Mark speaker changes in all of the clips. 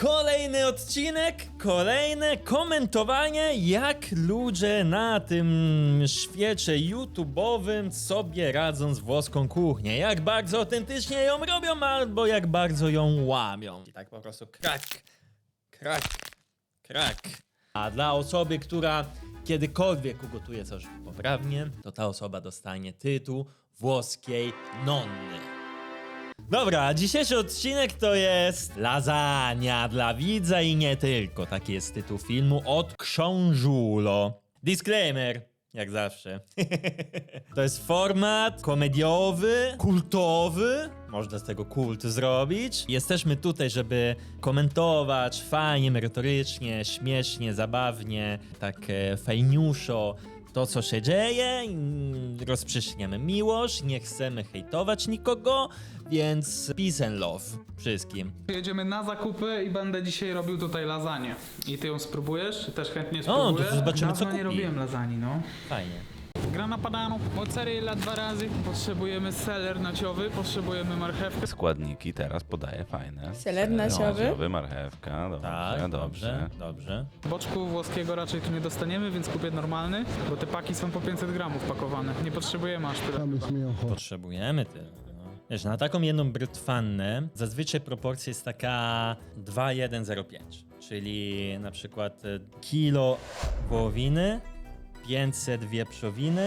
Speaker 1: Kolejny odcinek, kolejne komentowanie, jak ludzie na tym świecie YouTube'owym sobie radzą z włoską kuchnią. Jak bardzo autentycznie ją robią, albo jak bardzo ją łamią. I tak po prostu krak, krak, krak. A dla osoby, która kiedykolwiek ugotuje coś poprawnie, to ta osoba dostanie tytuł włoskiej nonny. Dobra, dzisiejszy odcinek to jest lasagna dla widza i nie tylko. Taki jest tytuł filmu od Książulo. Disclaimer, jak zawsze. To jest format komediowy, kultowy. Można z tego kult zrobić. Jesteśmy tutaj, żeby komentować fajnie, merytorycznie, śmiesznie, zabawnie, tak fajniuszo to, co się dzieje. Rozprzestrzeniamy miłość, nie chcemy hejtować nikogo, więc peace and love wszystkim.
Speaker 2: Jedziemy na zakupy i będę dzisiaj robił tutaj lasagne. I ty ją spróbujesz? Też chętnie
Speaker 1: O,
Speaker 2: spróbuję.
Speaker 1: to zobaczymy, co
Speaker 2: Dawno nie
Speaker 1: kupi.
Speaker 2: robiłem lasagni, no.
Speaker 1: Fajnie.
Speaker 2: Grana padano, mozzarella 2 razy, potrzebujemy seler naciowy, potrzebujemy marchewkę.
Speaker 3: Składniki teraz podaję fajne.
Speaker 4: Seler naciowy?
Speaker 3: Marchewka, dobrze,
Speaker 1: Tak,
Speaker 3: dobrze.
Speaker 1: dobrze.
Speaker 2: Boczku włoskiego raczej tu nie dostaniemy, więc kupię normalny, bo te paki są po 500 gramów pakowane. Nie potrzebujemy aż tyle.
Speaker 1: Potrzebujemy tyle. No. Wiesz, na taką jedną brytwannę zazwyczaj proporcja jest taka 2:1:0,5. Czyli na przykład kilo wołowiny, 500 wieprzowiny,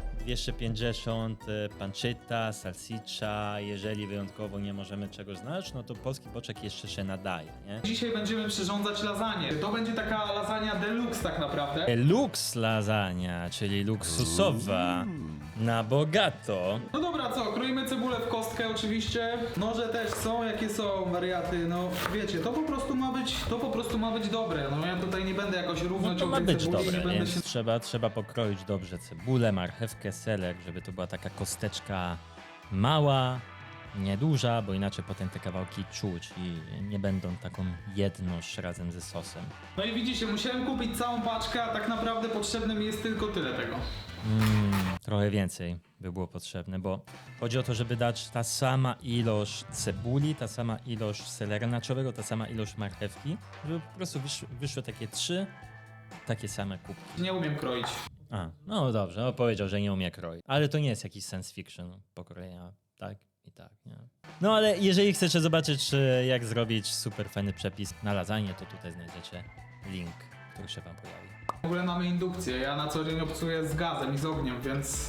Speaker 1: 250 pancetta, salsicza. Jeżeli wyjątkowo nie możemy czegoś znaleźć, no to polski boczek jeszcze się nadaje, nie?
Speaker 2: Dzisiaj będziemy przyrządzać lasagne. To będzie taka lasagna deluxe tak naprawdę.
Speaker 1: Lux lasagna, czyli luksusowa, na bogato.
Speaker 2: No dobra, co? Kroimy cebulę w kostkę oczywiście. Noże też są, jakie są wariaty, no wiecie, to po prostu ma być dobre. No ja tutaj nie będę jakoś równo
Speaker 1: No to
Speaker 2: ciął
Speaker 1: ma
Speaker 2: tej
Speaker 1: być
Speaker 2: cebuli,
Speaker 1: dobre,
Speaker 2: nie będę
Speaker 1: więc
Speaker 2: się...
Speaker 1: trzeba pokroić dobrze cebulę, marchewkę, seler, żeby to była taka kosteczka mała, nieduża, bo inaczej potem te kawałki czuć i nie będą taką jedność razem ze sosem.
Speaker 2: No i widzicie, musiałem kupić całą paczkę, a tak naprawdę potrzebne mi jest tylko tyle tego.
Speaker 1: Trochę więcej by było potrzebne, bo chodzi o to, żeby dać ta sama ilość cebuli, ta sama ilość selera naczowego, ta sama ilość marchewki, żeby po prostu wyszły takie 3 takie same kubki.
Speaker 2: Nie umiem kroić.
Speaker 1: A, no dobrze, no powiedział, że nie umie kroić. Ale to nie jest jakiś science fiction pokrojenia, tak i tak, nie? No ale jeżeli chcecie zobaczyć, jak zrobić super fajny przepis na lasagne, to tutaj znajdziecie link, który się wam pojawi.
Speaker 2: W ogóle mamy indukcję, ja na co dzień obcuję z gazem i z ogniem, więc...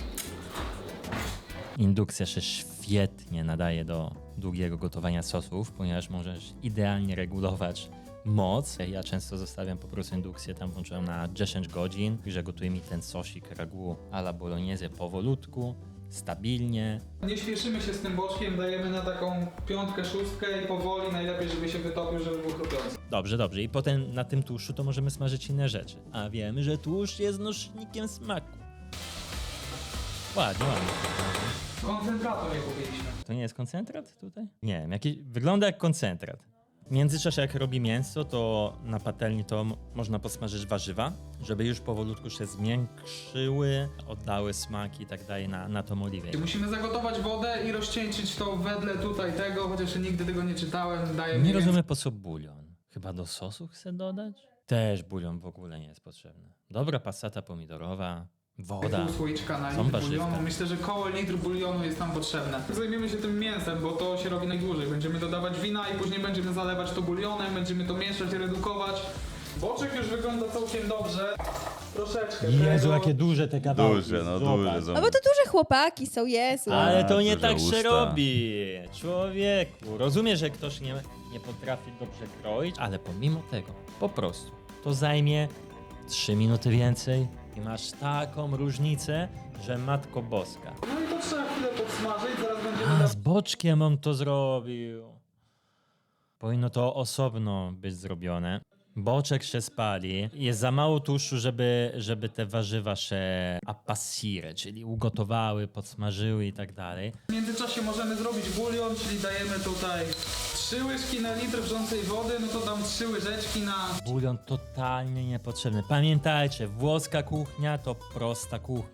Speaker 1: Indukcja się świetnie nadaje do długiego gotowania sosów, ponieważ możesz idealnie regulować moc. Ja często zostawiam po prostu indukcję, tam włączyłem na 10 godzin, że gotuje mi ten sosik ragu alla bolognese powolutku, stabilnie.
Speaker 2: Nie śpieszymy się z tym boczkiem, dajemy na taką 5, 6 i powoli, najlepiej żeby się wytopił, żeby był chrupiący.
Speaker 1: Dobrze, dobrze. I potem na tym tłuszczu to możemy smażyć inne rzeczy. A wiemy, że tłuszcz jest nośnikiem smaku. Ładnie, ładnie.
Speaker 2: Koncentratu nie kupiliśmy.
Speaker 1: To nie jest koncentrat tutaj? Nie wiem, wygląda jak koncentrat. W międzyczasie jak robi mięso, to na patelni to można posmażyć warzywa, żeby już powolutku się zmiękczyły, oddały smaki i tak dalej na tą oliwę.
Speaker 2: Musimy zagotować wodę i rozcieńczyć to wedle tutaj tego, chociaż nigdy tego nie czytałem, daje
Speaker 1: Nie rozumiem, po co bulion. Chyba do sosu chcę dodać? Też bulion w ogóle nie jest potrzebny. Dobra passata pomidorowa, woda.
Speaker 2: Pół słoiczka na
Speaker 1: Są
Speaker 2: litr
Speaker 1: warzywka.
Speaker 2: bulionu. Myślę, że koło litr bulionu jest nam potrzebne. Zajmiemy się tym mięsem, bo to się robi najdłużej. Będziemy dodawać wina i później będziemy zalewać to bulionem, będziemy to mieszać, redukować. Boczek już wygląda całkiem dobrze. Troszeczkę
Speaker 1: Jezu,
Speaker 2: tego.
Speaker 1: jakie duże te kawałki.
Speaker 3: Duże, no
Speaker 1: Zobacz.
Speaker 3: duże są.
Speaker 4: No bo to duże chłopaki są, Jezu.
Speaker 1: Ale to nie
Speaker 3: duże
Speaker 1: tak się
Speaker 3: usta.
Speaker 1: robi, człowieku. Rozumiem, że ktoś nie potrafi dobrze kroić, ale pomimo tego, po prostu, to zajmie 3 minuty więcej i masz taką różnicę, że Matko Boska.
Speaker 2: No i to trzeba chwilę podsmażyć, zaraz będziemy...
Speaker 1: A z boczkiem on to zrobił. Powinno to osobno być zrobione. Boczek się spali. Jest za mało tłuszczu, żeby te warzywa się appassire, czyli ugotowały, podsmażyły i tak dalej.
Speaker 2: W międzyczasie możemy zrobić bulion, czyli dajemy tutaj 3 łyżki na litr wrzącej wody, no to dam 3 łyżeczki na...
Speaker 1: Bulion totalnie niepotrzebny. Pamiętajcie, włoska kuchnia to prosta kuchnia.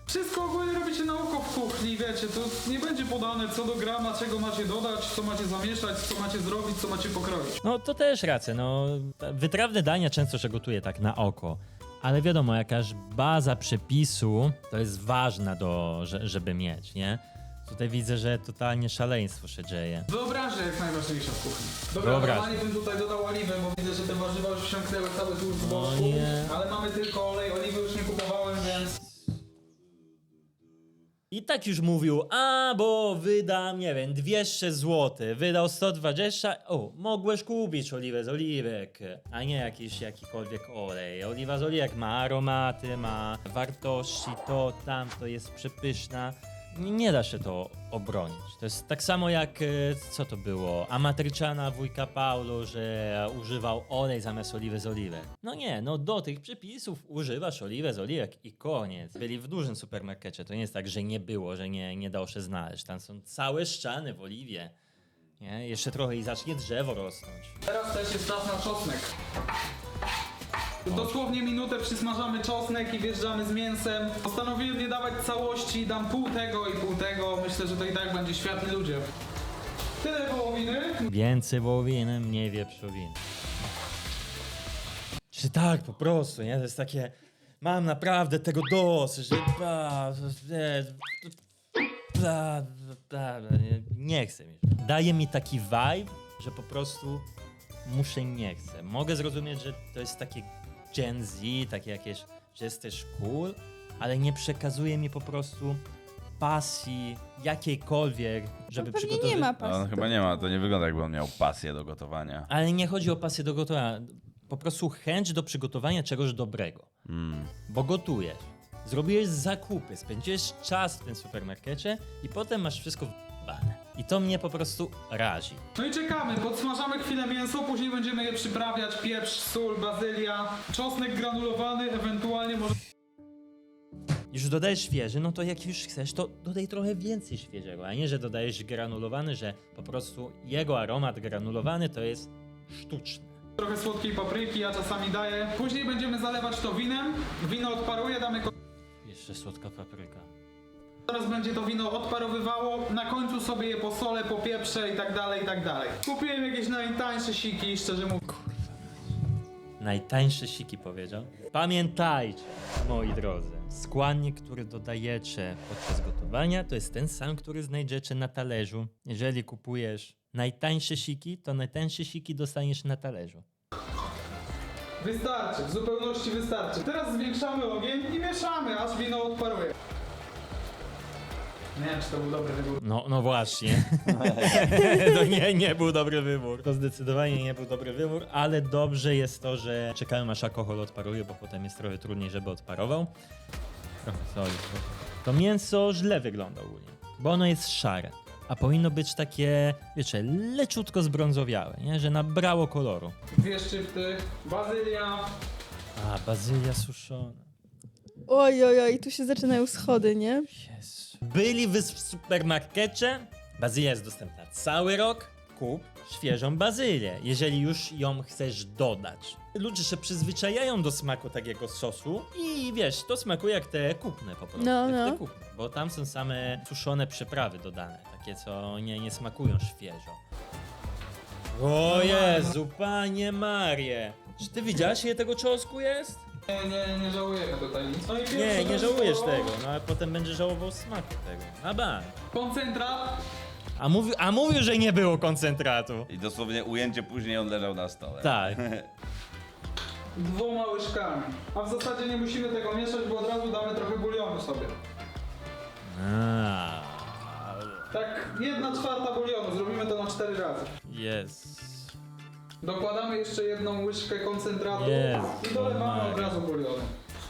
Speaker 2: Wszystko ogólnie robicie na oko w kuchni, wiecie, to nie będzie podane co do grama, czego macie dodać, co macie zamieszać, co macie zrobić, co macie pokroić.
Speaker 1: No to też racja, no wytrawne dania często się gotuje tak na oko. Ale wiadomo, jakaś baza przepisu to jest ważna żeby mieć, nie? Tutaj widzę, że totalnie szaleństwo się dzieje.
Speaker 2: Wyobraźnia jest najważniejsza w kuchni. Dobra,
Speaker 1: Wyobraźnia.
Speaker 2: normalnie bym tutaj dodał oliwę, bo widzę, że te warzywa już wsiąknęły cały tłusty z boku,
Speaker 1: nie.
Speaker 2: ale mamy tylko olej, oliwy już nie kupowałem, więc...
Speaker 1: I tak już mówił, bo wydam, nie wiem, 200 zł, wydał 120, mogłeś kupić oliwę z oliwek, a nie jakikolwiek olej. Oliwa z oliwek ma aromaty, ma wartości, to jest przepyszna. Nie da się to obronić. To jest tak samo jak, co to było, Amatriciana wujka Paulo, że używał olej zamiast oliwy z oliwek. No nie, no do tych przepisów używasz oliwę z oliwek i koniec. Byli w dużym supermarkecie, to nie jest tak, że nie było, że nie dało się znaleźć. Tam są całe ściany w oliwie. Nie? Jeszcze trochę i zacznie drzewo rosnąć.
Speaker 2: Teraz też jest czas na czosnek. Dosłownie minutę przysmażamy czosnek i wjeżdżamy z mięsem. Postanowiłem nie dawać całości, dam pół tego i pół tego. Myślę, że to i tak będzie światny ludzie. Tyle wołowiny.
Speaker 1: Więcej wołowiny, mniej wieprzowiny. Czy tak po prostu, nie? To jest takie, mam naprawdę tego dosyć, że nie chcę mi. Daje mi taki vibe, że po prostu nie chcę. Mogę zrozumieć, że to jest takie Gen Z, takie jakieś, że jesteś cool, ale nie przekazuje mi po prostu pasji jakiejkolwiek, żeby
Speaker 4: Pewnie
Speaker 1: przygotować.
Speaker 4: nie ma
Speaker 3: No,
Speaker 4: pasji.
Speaker 3: on chyba nie ma, to nie wygląda jakby on miał pasję do gotowania.
Speaker 1: Ale nie chodzi o pasję do gotowania, po prostu chęć do przygotowania czegoś dobrego. Bo gotujesz, zrobiłeś zakupy, spędziłeś czas w tym supermarkecie i potem masz wszystko w***ane. I to mnie po prostu razi.
Speaker 2: No i czekamy, podsmażamy chwilę mięso, później będziemy je przyprawiać. Pieprz, sól, bazylia, czosnek granulowany, ewentualnie może...
Speaker 1: Już dodajesz świeży, no to jak już chcesz, to dodaj trochę więcej świeżego, a nie, że dodajesz granulowany, że po prostu jego aromat granulowany to jest sztuczny.
Speaker 2: Trochę słodkiej papryki, ja czasami daję. Później będziemy zalewać to winem. Wino odparuje, damy
Speaker 1: Jeszcze słodka papryka.
Speaker 2: Teraz będzie to wino odparowywało, na końcu sobie je posolę, popieprzę i tak dalej, i tak dalej. Kupiłem jakieś najtańsze siki, szczerze mówiąc.
Speaker 1: Najtańsze siki powiedział. Pamiętajcie, moi drodzy, składnik, który dodajecie podczas gotowania, to jest ten sam, który znajdziecie na talerzu. Jeżeli kupujesz najtańsze siki, to najtańsze siki dostaniesz na talerzu.
Speaker 2: Wystarczy, w zupełności wystarczy. Teraz zwiększamy ogień i mieszamy, aż wino odparuje. Nie wiem, czy to był dobry wybór.
Speaker 1: No właśnie. To nie był dobry wybór. To zdecydowanie nie był dobry wybór, ale dobrze jest to, że czekałem aż alkohol odparuje, bo potem jest trochę trudniej, żeby odparował. Trochę soli. To mięso źle wygląda ogólnie, bo ono jest szare, a powinno być takie, wiecie, leciutko zbrązowiałe, nie? Że nabrało koloru.
Speaker 2: 2 szczypty, bazylia.
Speaker 1: A, bazylia suszona.
Speaker 4: Oj, tu się zaczynają schody, nie?
Speaker 1: Jezu. Byli w supermarkecie. Bazylia jest dostępna cały rok. Kup świeżą bazylię, jeżeli już ją chcesz dodać. Ludzie się przyzwyczajają do smaku takiego sosu i wiesz, to smakuje jak te kupne po prostu.
Speaker 4: No,
Speaker 1: jak
Speaker 4: no.
Speaker 1: te kupne, bo tam są same suszone przyprawy dodane, takie co nie smakują świeżo. O Jezu, Panie Marie! Czy ty widziałeś, ile tego czosnku jest?
Speaker 2: Nie żałujemy tutaj nic. No i pierwsze
Speaker 1: Nie
Speaker 2: to
Speaker 1: żałujesz
Speaker 2: jest to
Speaker 1: tego, no ale potem będziesz żałował smaku tego. A bank.
Speaker 2: Koncentrat.
Speaker 1: A mówił, że nie było koncentratu.
Speaker 3: I dosłownie ujęcie później on leżał na stole.
Speaker 1: Tak.
Speaker 2: 2 łyżkami. A w zasadzie nie musimy tego mieszać, bo od razu damy trochę bulionu sobie. Tak 1/4 bulionu, zrobimy to na 4 razy.
Speaker 1: Jest.
Speaker 2: Dokładamy jeszcze 1 łyżkę koncentratu
Speaker 1: Jezu
Speaker 2: i dolewamy od
Speaker 1: Maria.
Speaker 2: razu bulionu.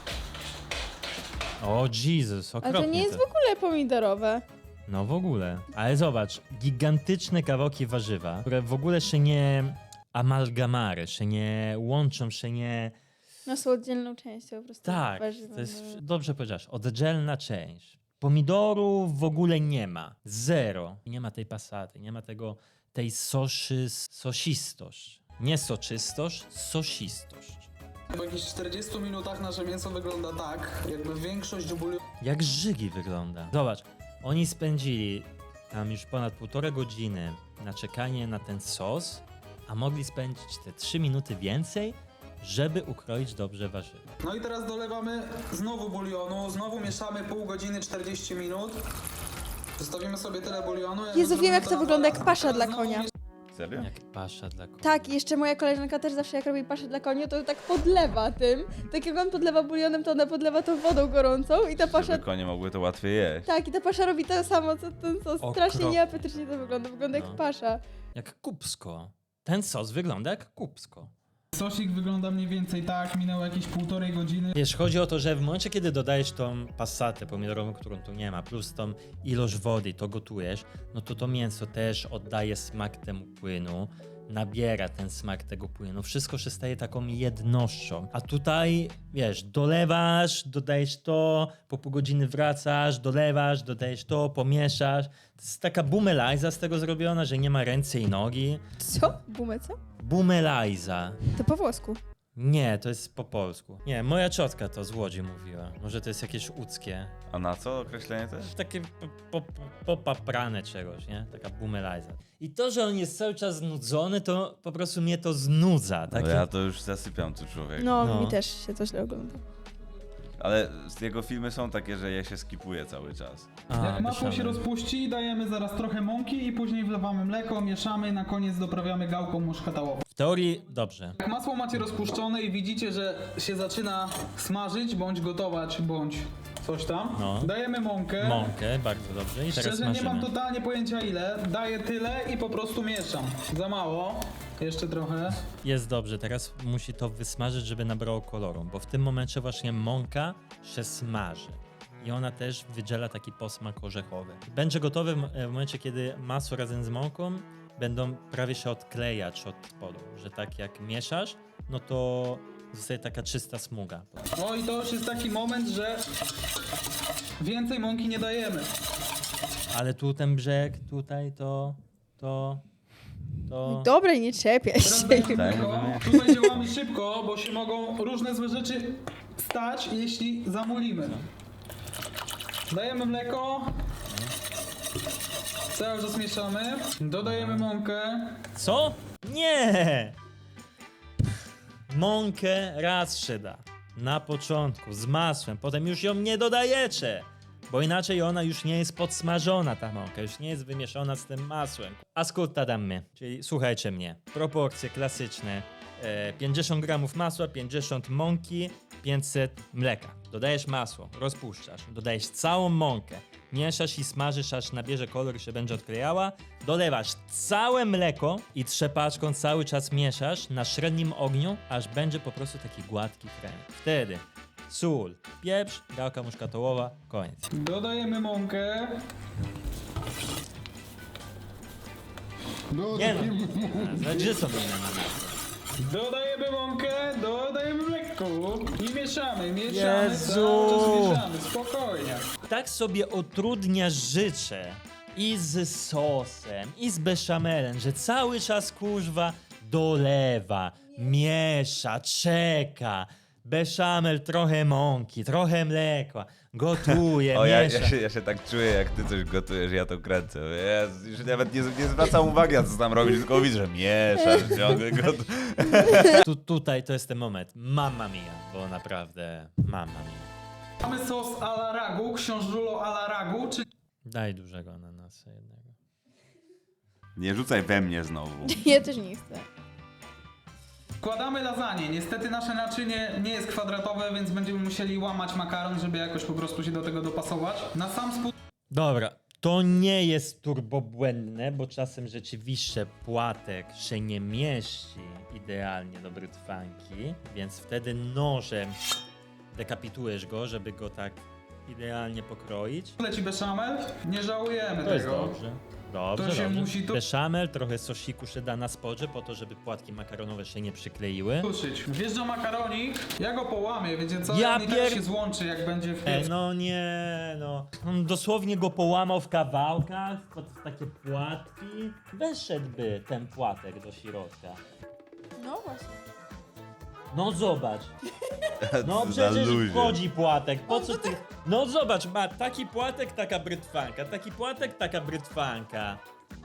Speaker 1: O Jezus,
Speaker 4: Ale
Speaker 1: okropnie
Speaker 4: to nie jest w ogóle pomidorowe.
Speaker 1: No w ogóle. Ale zobacz, gigantyczne kawałki warzywa, które w ogóle się nie amalgamary, się nie łączą, się nie...
Speaker 4: No są oddzielną częścią po prostu.
Speaker 1: Tak,
Speaker 4: warzywa,
Speaker 1: to jest,
Speaker 4: no.
Speaker 1: dobrze powiedziałeś, oddzielna część. Pomidorów w ogóle nie ma. Zero. Nie ma tej pasaty, nie ma tej sosistość. Nie soczystość, sosistość.
Speaker 2: Po jakichś 40 minutach nasze mięso wygląda tak, jakby większość bulionu
Speaker 1: Jak żygi wygląda. Zobacz, oni spędzili tam już ponad 1,5 godziny na czekanie na ten sos, a mogli spędzić te 3 minuty więcej, żeby ukroić dobrze warzywa.
Speaker 2: No i teraz dolewamy znowu bulionu, znowu mieszamy pół godziny, 40 minut. Zostawimy sobie tyle bulionu.
Speaker 4: Jezu, wiem,
Speaker 2: zrobimy
Speaker 4: jak to
Speaker 2: na
Speaker 4: wygląda, jak
Speaker 2: zaraz.
Speaker 4: pasza
Speaker 2: Teraz
Speaker 4: dla
Speaker 2: znowu
Speaker 4: konia.
Speaker 3: Serio?
Speaker 1: Jak pasza dla konia.
Speaker 4: Tak, i jeszcze moja koleżanka też zawsze jak robi paszę dla koni, to tak podlewa tym. Tak jak on podlewa bulionem, to ona podlewa to wodą gorącą i ta pasza...
Speaker 3: Żeby konie mogły to łatwiej jeść.
Speaker 4: Tak, i ta pasza robi to samo, co ten sos. Strasznie
Speaker 1: Okropnie.
Speaker 4: nieapetycznie to wygląda. Wygląda
Speaker 1: No.
Speaker 4: jak pasza.
Speaker 1: Jak kupsko. Ten sos wygląda jak kupsko.
Speaker 2: Sosik wygląda mniej więcej tak, minęło jakieś 1,5 godziny.
Speaker 1: Wiesz, chodzi o to, że w momencie, kiedy dodajesz tą passatę pomidorową, którą tu nie ma, plus tą ilość wody, to gotujesz, no to to mięso też oddaje smak temu płynu, nabiera ten smak tego płynu, wszystko się staje taką jednością. A tutaj, wiesz, dolewasz, dodajesz to, po pół godziny wracasz, dolewasz, dodajesz to, pomieszasz. To jest taka bumelajza z tego zrobiona, że nie ma ręce i nogi.
Speaker 4: Co? Bumę, co?
Speaker 1: Bumelajza.
Speaker 4: To po włosku.
Speaker 1: Nie, to jest po polsku. Nie, moja ciotka to z Łodzi mówiła. Może to jest jakieś łódzkie.
Speaker 3: A na co określenie to jest?
Speaker 1: Takie popaprane czegoś, nie? Taka bumelajza. I to, że on jest cały czas znudzony, to po prostu mnie to znudza.
Speaker 3: No
Speaker 1: Takie...
Speaker 3: ja to już zasypiam tu człowiek.
Speaker 4: No,
Speaker 1: No.
Speaker 4: mi też się to źle ogląda.
Speaker 3: Ale jego filmy są takie, że je się skipuje cały czas.
Speaker 1: A,
Speaker 2: Jak masło się
Speaker 1: myślałem.
Speaker 2: rozpuści, dajemy zaraz trochę mąki i później wlewamy mleko, mieszamy, na koniec doprawiamy gałką muszkatałową.
Speaker 1: W teorii dobrze.
Speaker 2: Jak masło macie rozpuszczone i widzicie, że się zaczyna smażyć, bądź gotować, bądź coś tam,
Speaker 1: No.
Speaker 2: dajemy mąkę.
Speaker 1: Mąkę, bardzo dobrze. I teraz
Speaker 2: Szczerze nie mam
Speaker 1: smażymy.
Speaker 2: totalnie pojęcia ile, daję tyle i po prostu mieszam. Za mało, jeszcze trochę.
Speaker 1: Jest dobrze, teraz musi to wysmażyć, żeby nabrało koloru, bo w tym momencie właśnie mąka się smaży. I ona też wydziela taki posmak orzechowy. Będzie gotowy w momencie, kiedy masło razem z mąką będą prawie się odklejać od spodu, że tak jak mieszasz, no to zostaje taka czysta smuga.
Speaker 2: No i to już jest taki moment, że więcej mąki nie dajemy.
Speaker 1: Ale tu ten brzeg, tutaj to...
Speaker 4: Dobra, nie czepiaj
Speaker 2: Teraz
Speaker 4: się.
Speaker 2: dajemy
Speaker 3: Tak,
Speaker 2: mleko.
Speaker 3: mówimy.
Speaker 2: Tutaj działamy szybko, bo się mogą różne złe rzeczy stać, jeśli zamulimy. Dajemy mleko. Cały czas mieszamy. Dodajemy mąkę.
Speaker 1: Co? Nie! Mąkę raz się da. Na początku, z masłem, potem już ją nie dodajecie. Bo inaczej ona już nie jest podsmażona, ta mąka, już nie jest wymieszana z tym masłem. Ascolta dammy, czyli słuchajcie mnie. Proporcje klasyczne. 50 gramów masła, 50 mąki, 500 mleka. Dodajesz masło, rozpuszczasz, dodajesz całą mąkę, mieszasz i smażysz, aż nabierze kolor i się będzie odklejała. Dolewasz całe mleko i trzepaczką cały czas mieszasz na średnim ogniu, aż będzie po prostu taki gładki krem. Wtedy sól, pieprz, gałka muszkatołowa, koniec.
Speaker 2: Dodajemy mąkę.
Speaker 1: Nie no, gdzie są inne na nas?
Speaker 2: Dodajemy mąkę, dodajemy mleko i mieszamy,
Speaker 1: Jezu!
Speaker 2: cały czas mieszamy, spokojnie.
Speaker 1: Tak sobie utrudnia życie i z sosem, i z beszamelem, że cały czas kurzwa dolewa, miesza, czeka. Beszamel, trochę mąki, trochę mleka, gotuje,
Speaker 3: O, ja
Speaker 1: miesza.
Speaker 3: się tak czuję, jak ty coś gotujesz, ja to kręcę. Jezu, już nawet nie zwracam uwagi, na co tam robisz, tylko widzę, że mieszasz, ciągle gotujesz.
Speaker 1: Tutaj to jest ten moment. Mamma mia, bo naprawdę mamma mia.
Speaker 2: Mamy sos a la ragu, książulo a la ragu, czyli
Speaker 1: Daj dużego ananasa jednego.
Speaker 3: Nie rzucaj we mnie znowu.
Speaker 4: Ja też nie chcę.
Speaker 2: wkładamy lasagne. Niestety nasze naczynie nie jest kwadratowe, więc będziemy musieli łamać makaron, żeby jakoś po prostu się do tego dopasować. Na sam spód
Speaker 1: Dobra, to nie jest turbobłędne, bo czasem rzeczywiście płatek się nie mieści idealnie do brytwanki, więc wtedy nożem dekapitujesz go, żeby go tak idealnie pokroić.
Speaker 2: leci beszamel. Nie żałujemy
Speaker 1: To jest
Speaker 2: tego.
Speaker 1: dobrze. Dobrze,
Speaker 2: To się
Speaker 1: dobrze.
Speaker 2: musi to-
Speaker 1: Beszamel, trochę sosiku się da na spodzie, po to, żeby płatki makaronowe się nie przykleiły.
Speaker 2: Suszyć. Wjeżdża makaronik, ja go połamię, wiecie co?
Speaker 1: Ja
Speaker 2: On i tak się złączy, jak będzie w piecu.
Speaker 1: No nie, no. On dosłownie go połamał w kawałkach, w takie płatki. Weszedłby ten płatek do środka.
Speaker 4: No właśnie.
Speaker 1: No zobacz. No
Speaker 3: Za
Speaker 1: przecież
Speaker 3: luzie.
Speaker 1: wchodzi płatek. Po co ty? No zobacz, ma taki płatek, taka brytwanka. Taki płatek, taka brytwanka.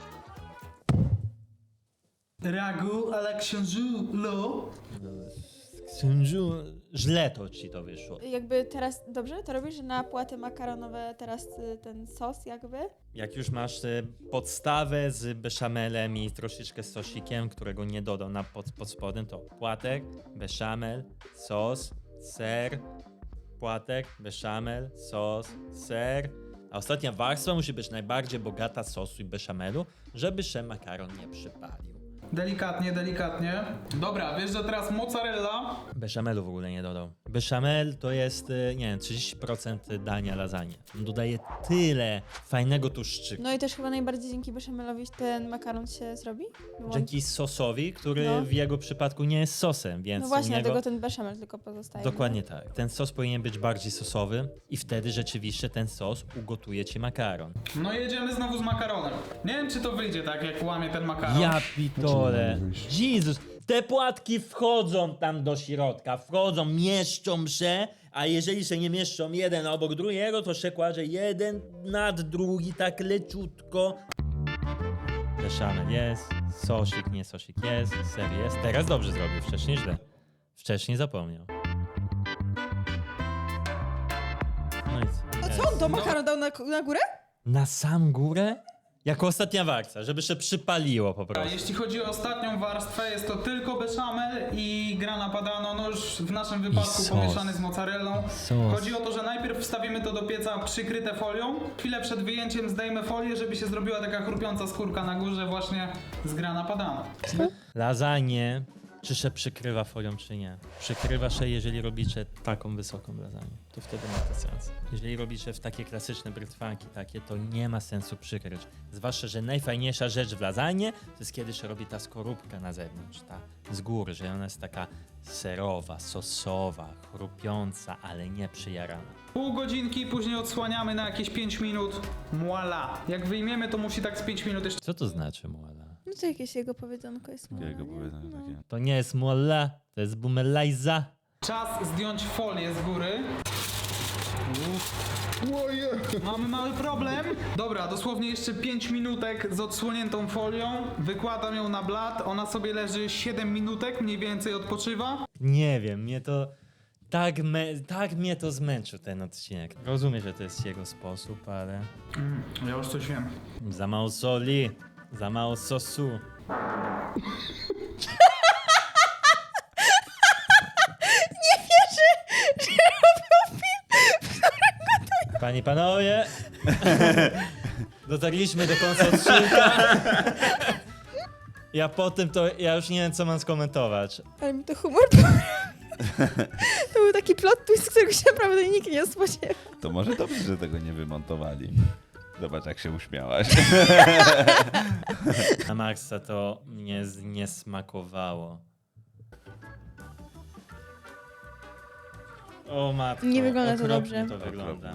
Speaker 2: Ragu a la książulo.
Speaker 1: Sędziu, źle to ci to wyszło.
Speaker 4: Jakby teraz, dobrze to robisz, że na płaty makaronowe teraz ten sos jakby?
Speaker 1: Jak już masz podstawę z beszamelem i troszeczkę sosikiem, którego nie dodał na pod spodem, to płatek, beszamel, sos, ser, płatek, beszamel, sos, ser. A ostatnia warstwa musi być najbardziej bogata sosu i beszamelu, żeby się makaron nie przypalił.
Speaker 2: Delikatnie, delikatnie. Dobra, wiesz, że teraz mozzarella.
Speaker 1: Beszamelu w ogóle nie dodał. Beszamel to jest, nie wiem, 30% dania lasagne. On dodaje tyle fajnego tłuszczyku.
Speaker 4: No i też chyba najbardziej dzięki beszamelowi ten makaron się zrobi? Bo on-
Speaker 1: Dzięki sosowi, który
Speaker 4: No.
Speaker 1: w jego przypadku nie jest sosem, więc
Speaker 4: No właśnie,
Speaker 1: u niego...
Speaker 4: dlatego ten beszamel tylko pozostaje.
Speaker 1: Dokładnie tak. Ten sos powinien być bardziej sosowy i wtedy rzeczywiście ten sos ugotuje ci makaron.
Speaker 2: No jedziemy znowu z makaronem. Nie wiem, czy to wyjdzie tak, jak łamie ten makaron.
Speaker 1: Ja pitole. Jezus, te płatki wchodzą tam do środka, wchodzą, mieszczą się, a jeżeli się nie mieszczą jeden obok drugiego, to się kładzie jeden nad drugi, tak leciutko. Beszamel jest, sosik, nie sosik jest, ser jest. Teraz dobrze zrobił, wcześniej źle. Wcześniej zapomniał. No i co?
Speaker 4: A co on to makaron dał na górę?
Speaker 1: Na sam górę? Jako ostatnia warstwa, żeby się przypaliło po
Speaker 2: A
Speaker 1: prostu.
Speaker 2: jeśli chodzi o ostatnią warstwę, jest to tylko bechamel i grana padano, no już w naszym wypadku
Speaker 1: sos.
Speaker 2: pomieszany z mozzarellą.
Speaker 1: Sos.
Speaker 2: Chodzi o to, że najpierw wstawimy to do pieca przykryte folią. Chwilę przed wyjęciem zdejmę folię, żeby się zrobiła taka chrupiąca skórka na górze właśnie z grana padano.
Speaker 1: Lasagne, czy się przykrywa folią, czy nie? Przykrywa się, jeżeli robicie taką wysoką lasagne. To wtedy ma to sens. Jeżeli robicie w takie klasyczne brytwanki takie, to nie ma sensu przykryć. Zwłaszcza, że najfajniejsza rzecz w lasagne to jest kiedy się robi ta skorupka na zewnątrz, ta z góry, że ona jest taka serowa, sosowa, chrupiąca, ale nie przyjarana.
Speaker 2: Pół godzinki, później odsłaniamy na jakieś 5 minut. Voila. Jak wyjmiemy, to musi tak z 5 minut jeszcze.
Speaker 1: Co to znaczy muala?
Speaker 4: No to jakieś jego powiedzonko jest.
Speaker 3: Jego
Speaker 4: nie?
Speaker 3: powiedzenie
Speaker 4: No.
Speaker 3: takie.
Speaker 1: To nie jest muala, to jest bumelajza.
Speaker 2: Czas zdjąć folię z góry. Mamy mały problem. Dobra, dosłownie jeszcze 5 minutek z odsłoniętą folią. Wykładam ją na blat. Ona sobie leży 7 minutek, mniej więcej odpoczywa.
Speaker 1: Nie wiem, mnie to... Tak mnie to zmęczył ten odcinek. Rozumiem, że to jest jego sposób, ale...
Speaker 2: Ja już coś wiem.
Speaker 1: Za mało soli, za mało sosu. Panie i panowie, dotarliśmy do końca odcinka. Ja już nie wiem, co mam skomentować.
Speaker 4: Ale mi to humor To był taki plot twist, którego się naprawdę nikt nie spodziewał.
Speaker 3: To może dobrze, że tego nie wymontowali. Zobacz, jak się uśmiałaś.
Speaker 1: Na Maxa to mnie nie smakowało. O matko,
Speaker 4: Nie wygląda to
Speaker 1: okropnie
Speaker 4: dobrze.
Speaker 1: to wygląda.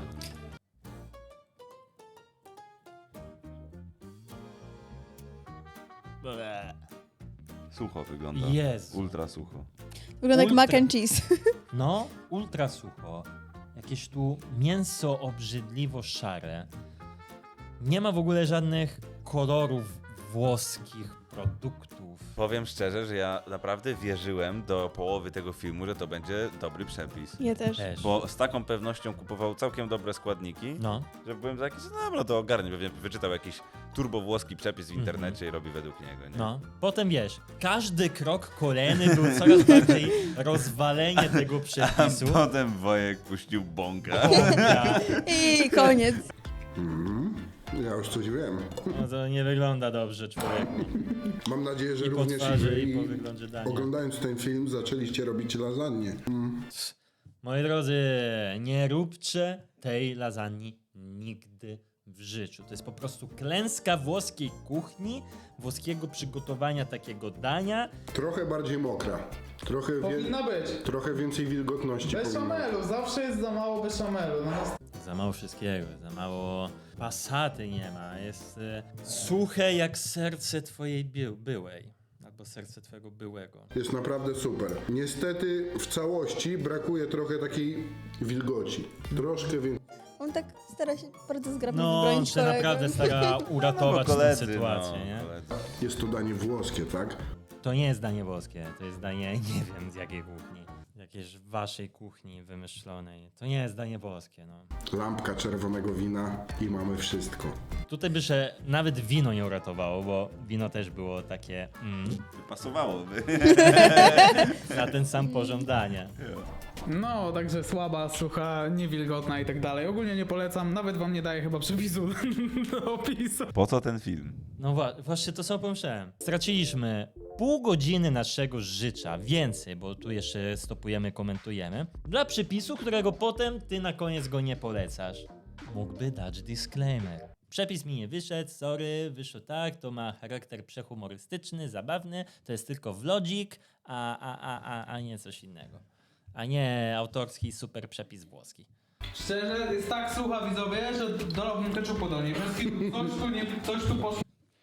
Speaker 1: Ble.
Speaker 3: Sucho wygląda.
Speaker 1: Jezu.
Speaker 3: Ultra sucho.
Speaker 4: Wygląda jak
Speaker 1: Ultra.
Speaker 4: mac and cheese.
Speaker 1: No, ultra sucho. Jakieś tu mięso obrzydliwo szare. Nie ma w ogóle żadnych kolorów włoskich produktów.
Speaker 3: Powiem szczerze, że ja naprawdę wierzyłem do połowy tego filmu, że to będzie dobry przepis.
Speaker 4: Ja też.
Speaker 1: Też.
Speaker 3: Bo z taką pewnością kupował całkiem dobre składniki,
Speaker 1: No,
Speaker 3: że byłem taki, że dobra, to ogarnie. Pewnie wyczytał jakiś turbo-włoski przepis w internecie i robi według niego, nie?
Speaker 1: no. Potem wiesz, każdy krok kolejny był coraz bardziej rozwalenie tego
Speaker 3: A
Speaker 1: przepisu.
Speaker 3: potem Wojek puścił bąka.
Speaker 1: Ja,
Speaker 4: I koniec.
Speaker 5: Ja już coś wiem.
Speaker 1: no to nie wygląda dobrze, człowieku.
Speaker 5: Mam nadzieję, że
Speaker 1: I po
Speaker 5: również
Speaker 1: twarzy,
Speaker 5: wy,
Speaker 1: i po wyglądzie dania.
Speaker 5: oglądając ten film, zaczęliście robić lasagne.
Speaker 1: Moi drodzy, nie róbcie tej lasagne nigdy w życiu. To jest po prostu klęska włoskiej kuchni, włoskiego przygotowania takiego dania.
Speaker 5: Trochę bardziej mokra.
Speaker 2: Powinna być.
Speaker 5: Trochę więcej wilgotności. powinno.
Speaker 2: Bechamelu, zawsze jest za mało bechamelu. No,
Speaker 1: Za mało wszystkiego, za mało pasaty nie ma. Jest suche jak serce twojej byłej. Albo serce twojego byłego.
Speaker 5: Jest naprawdę super. Niestety w całości brakuje trochę takiej wilgoci. Troszkę więcej.
Speaker 4: On tak stara się bardzo zgrabnie
Speaker 1: No, on
Speaker 4: wybronić
Speaker 1: się
Speaker 4: kolegę.
Speaker 1: naprawdę stara uratować tę sytuację, nie?
Speaker 3: koledzy.
Speaker 5: Jest to danie włoskie, tak?
Speaker 1: To nie jest danie włoskie, to jest danie, nie wiem z jakiej kuchni. Jakiejś waszej kuchni wymyślonej. To nie jest danie włoskie, no.
Speaker 5: Lampka czerwonego wina i mamy wszystko.
Speaker 1: Tutaj by się nawet wino nie uratowało, bo wino też było takie
Speaker 3: Pasowałoby.
Speaker 1: na ten sam poziom dania.
Speaker 2: No, także słaba, sucha, niewilgotna i tak dalej. Ogólnie nie polecam, nawet wam nie daję chyba przepisu do opisu.
Speaker 3: Po co ten film?
Speaker 1: No właśnie to co pomyślałem. Straciliśmy pół godziny naszego życia, więcej, bo tu jeszcze stopujemy, komentujemy, dla przepisu, którego potem ty na koniec go nie polecasz. Mógłby dać disclaimer. Przepis mi nie wyszedł, sorry, wyszło tak, to ma charakter przehumorystyczny, zabawny, to jest tylko vlogik, a nie coś innego. A nie autorski super przepis włoski.
Speaker 2: Szczerze, jest tak sucha, widzowie, że dolałbym keczupu do niej. Coś tu poszło.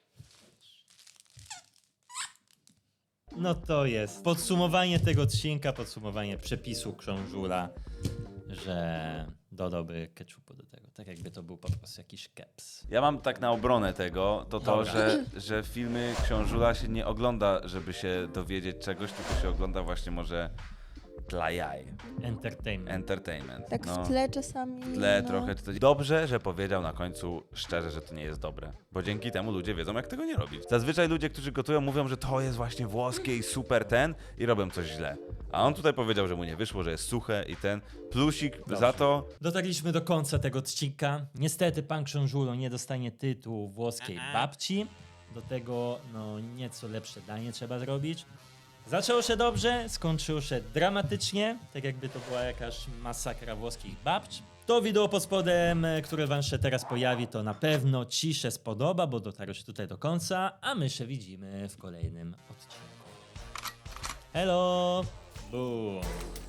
Speaker 1: No to jest podsumowanie tego odcinka, podsumowanie przepisu książula, że dodałby ketchupu do tego, tak jakby to był po prostu jakiś keps.
Speaker 3: Ja mam tak na obronę tego, to,
Speaker 1: Dobra.
Speaker 3: że filmy Książula się nie ogląda, żeby się dowiedzieć czegoś, tylko się ogląda właśnie może dla jaj. Entertainment.
Speaker 4: Tak
Speaker 3: no.
Speaker 4: w tle czasami.
Speaker 3: W tle
Speaker 4: no.
Speaker 3: trochę. Dobrze, że powiedział na końcu szczerze, że to nie jest dobre. Bo dzięki temu ludzie wiedzą, jak tego nie robić. Zazwyczaj ludzie, którzy gotują, mówią, że to jest właśnie włoskie i super i robią coś źle. A on tutaj powiedział, że mu nie wyszło, że jest suche i plusik za to.
Speaker 1: Dotarliśmy do końca tego odcinka. Niestety pan Książulo nie dostanie tytułu włoskiej babci. Do tego no nieco lepsze danie trzeba zrobić. Zaczęło się dobrze, skończyło się dramatycznie, tak jakby to była jakaś masakra włoskich babć. To wideo pod spodem, które wam się teraz pojawi, to na pewno ci się spodoba, bo dotarłeś tutaj do końca, a my się widzimy w kolejnym odcinku. Hello! Boom!